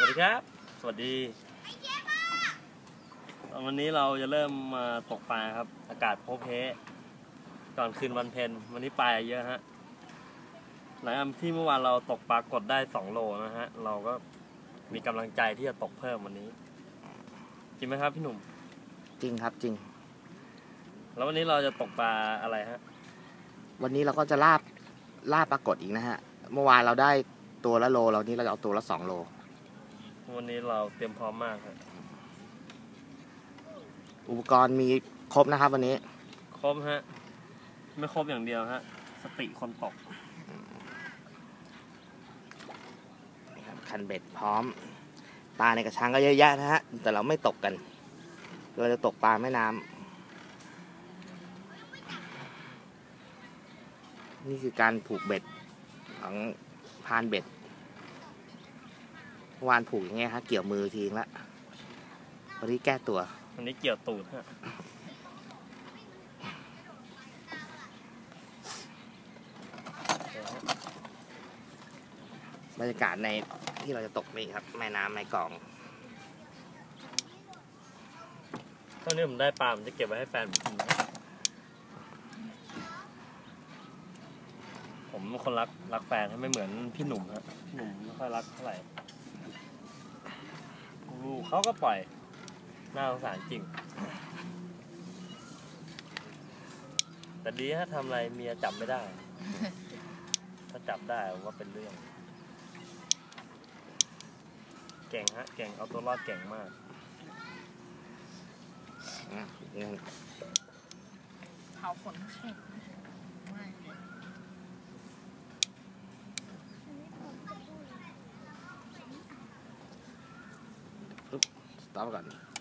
วัสดีครับสวัสดีวันนี้เราจะเริ่มมาตกปลาครับอากาศโพเพก่อนคืนวันเพ็ญวันนี้ปลาเยอะฮะหลังจากที่เมื่อวานเราตกปลากดได้2 โลนะฮะเราก็มีกำลังใจที่จะตกเพิ่มวันนี้จริงไหมครับพี่หนุ่มจริงครับจริงแล้ววันนี้เราจะตกปลาอะไรฮะวันนี้เราก็จะล่าปลากดอีกนะฮะเมื่อวานเราได้ตัวละโลเรานี้เราจะเอาตัวละ2 โลวันนี้เราเตรียมพร้อมมากครับอุปกรณ์มีครบนะครับวันนี้ครบฮะไม่ครบอย่างเดียวฮะสติคนตกคันเบ็ดพร้อมปลาในกระชังก็เยอะแยะนะฮะแต่เราไม่ตกกันเราจะตกปลาแม่น้ำนี่คือการผูกเบ็ดของพานเบ็ดวานผูกอย่างเงี้ยฮะเกี่ยวมือทีละวันนี้แก้ตัววันนี้เกี่ยวตูดฮะบรรยากาศในที่เราจะตกนี่ครับแม่น้ำแม่กลองตอนนี้ผมได้ปลาผมจะเก็บไว้ให้แฟนผมกินผมเป็นคนรักแฟนไม่เหมือนพี่หนุ่มฮะพี่หนุ่มไม่ค่อยรักเท่าไหร่ลูกเขาก็ปล่อยน่าสงสารจริงแต่ดีถ้าทำอะไรเมียจับไม่ได้ถ้าจับได้ว่าเป็นเรื่องเก่งฮะเก่งเอาตัวรอดเก่งมากเผาขนแข็งไม่สต็อปก่อน